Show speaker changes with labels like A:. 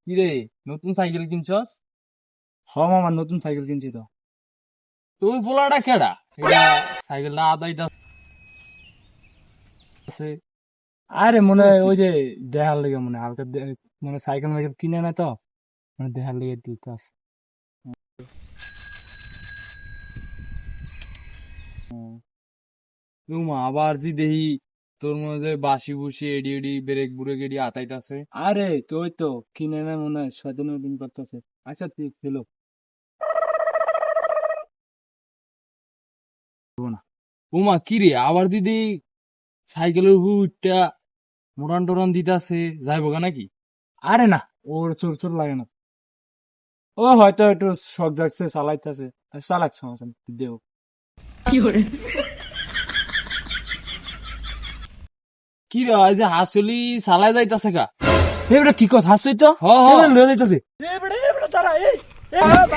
A: কিরে, নতুন সাইকেল কিনছস?
B: মামা নতুন সাইকেল কিনছি তো।
A: তুই পোলাটা কেডা? এটা সাইকেলটা আদায় আছে।
B: আরে মনে হয়
A: বুঝছি।
B: ওই যে দেখার লেগে মনে হয় হালকা মানে সাইকেল মাইকেল কিনে না তো, মানে দেখার লেগে দিতে আছে।
A: মা আবার জি দেহি তোর মধ্যে বাসি বুসি এডি এডি ব্রেক বুরেক এডি আতাইতাছে।
B: আরে তো ওই তো কিনে না মনে হয় সচেতন দিন করতেছে। আচ্ছা তুই ফেলো না।
A: উমা কিরে আবার দিদি সাইকেলের হুইটটা মোটান টোরান দিতাছে, যাইব গা নাকি?
B: আরে না, ওর চোর চোর লাগে না। ও হয়তো একটু শখ জাগছে চালাইতেছে, চালাক, সমস্যা নেই, দেও।
A: কি রে ওই যে হাসলি চালাই যাইতাছে গা?
B: এবারে কি কথা হাসছই তো,
A: হ হ।
B: এবারে লয়ে যাইতেছে।